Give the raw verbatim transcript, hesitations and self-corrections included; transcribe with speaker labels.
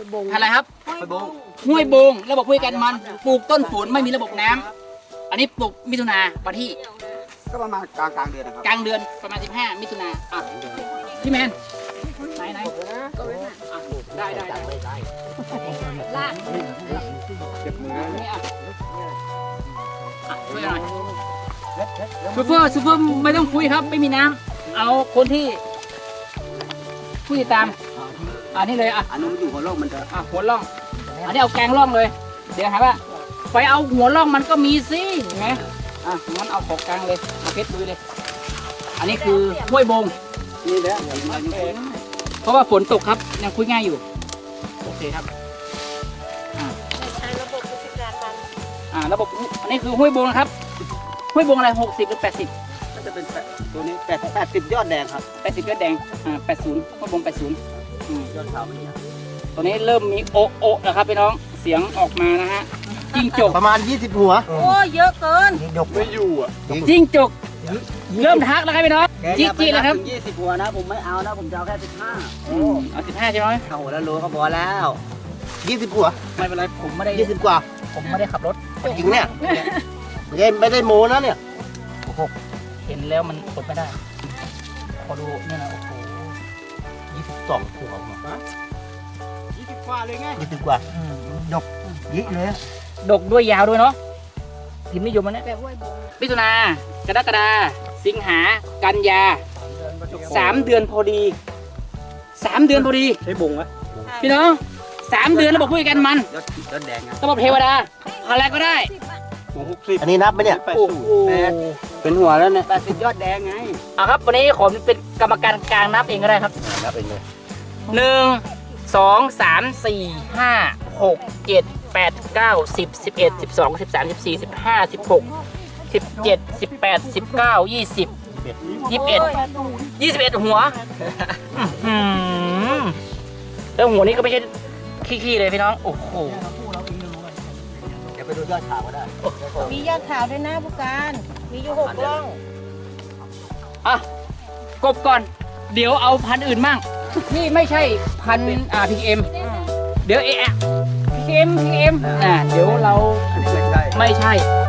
Speaker 1: อะไรครับห้วยบงระบบห้วยกันมันปลูกต้นฝนไม่มีระบบน้ำอันนี้ปลูกมิถุนาวันที่
Speaker 2: ก็ประมาณกลางกลางเดือนนะครับ
Speaker 1: กลางเดือนประมาณสิบห้ามิถุนาอ่ะพี่แมนไหนไหนได้ได้ได้ลากเก็บมือนี่อ่ะช่วยหน่อยซูเปอร์ซูเปอร์ไม่ต้องคุยครับไม่มีน้ำเอาคนที่ผู้ติดตามอันนี้เลยอ่ะ
Speaker 2: อันนู้นอยู่หัวโลกมันจะ
Speaker 1: อ่ะหัวล่องอันนี้เอาแกงล่องเลยเดี๋ยวหาว่าไปเอาหัวล่องมันก็มีสิเห็นไหมอ่ะงั้นเอาของกลางเลยเอาเพชรดูเลยอันนี้คือห้วยบง
Speaker 2: นี่แหละ
Speaker 1: เพราะว่าฝนตกครับยังคุยง่ายอยู่โอเคครับอ่า
Speaker 3: ใช้ระบบราชการมัน
Speaker 1: อ่าระบบอันนี้คือห้วยบงนะครับห้วยบงอะไรหกสิบหรือแปดสิบ
Speaker 2: ก็จะเป็นตัวนี้แปดแปดสิบยอดแดงครับ
Speaker 1: แปดสิบยอดแดงอ่าแปดศูนย์ห้วยบงแปดศูนย์
Speaker 2: ยอดขาวนี่
Speaker 1: ตัวนี้เริ่มมีโอโอนะครับพี่น้องเสียงออกมานะฮะจิ้งจก
Speaker 2: ประมาณยี่สิบหัว
Speaker 3: โอ้เยอะเกิน
Speaker 2: ยกไม่อยู่อ่ะ
Speaker 1: จิ้งจกเริ่มทักแล้วครับพี่น้องจิ๊กจิ๊กแล้วครับ
Speaker 2: ยี่สิบหัวนะผมไม่เอานะผมจะเอาแค่สิบห้า
Speaker 1: เอาสิบห้าใช่ไหม
Speaker 2: เอาหัวแล้วรู้ก็พอแล้วยี่สิบหัว
Speaker 1: ไม่เป็นไรผมไม่ได้
Speaker 2: ยี่สิบกว่า
Speaker 1: ผมไม่ได้ขับรถ
Speaker 2: จริงเนี่ยไม่ได้ไม่ได้โม้นะเนี่ย
Speaker 1: โอ้โหเห็นแล้วมันอดไม่ได้พอดูเนี่ยนะโอ้โห
Speaker 2: ยี่สิบสองหัว
Speaker 1: ยี่สิบกว่าเลยไง
Speaker 2: ยี่สิบกว่าดกยี่เลย
Speaker 1: ดกด้วยยาวด้วยเนาะพิมพ์นิยมมันเนี่ยมิถุนากรกฎาสิงหากันยาสามเดือนพอดีสามเดือนพอดี
Speaker 2: ใช้บงวะ
Speaker 1: พี่น้องสามเดือนระบบพูดกันมัน
Speaker 2: ยอดแดง
Speaker 1: ระบบเทวดาอะไรก็ได้
Speaker 2: อันนี้นับไหมเนี่ย
Speaker 1: โอ้โห
Speaker 2: เป็นหัวแล้วเนี่ยแปดสิบยอดแดงไง
Speaker 1: อ่ะครับวันนี้ขอเป็นกรรมการกลางนับเองก็ได้ครับ
Speaker 2: นับเองเลย
Speaker 1: หนึ่งสองสามสี่ห้าหกเจ็ดแปดเก้าสิบสิบเอ็ดสิบสองสิบสามสิบสี่สิบห้าสิบหกสิบเจ็ดสิบแปดสิบเก้ายี่สิบยี่สิบเอ็ดยี่สิบเอ็ดหัวแล้วหัวนี้ก็ไม่ใช่ขี้ๆเลยพี่น้องโอ้โห
Speaker 2: เดี๋ยวไปดูยอดขาวก็ได้
Speaker 3: มียอดขาวด้วยนะผู้การมีอยู่หกล่อง
Speaker 1: อ่ะกบก่อนเดี๋ยวเอาพันอื่นมั่งนี่ไม่ใช่พันอ่าพีเอ็มเดี๋ยวเอะพีเอ็มพีเอ็มอ่าเดี๋ยวเรา
Speaker 2: ไม่ใช่
Speaker 1: ไม่ใช่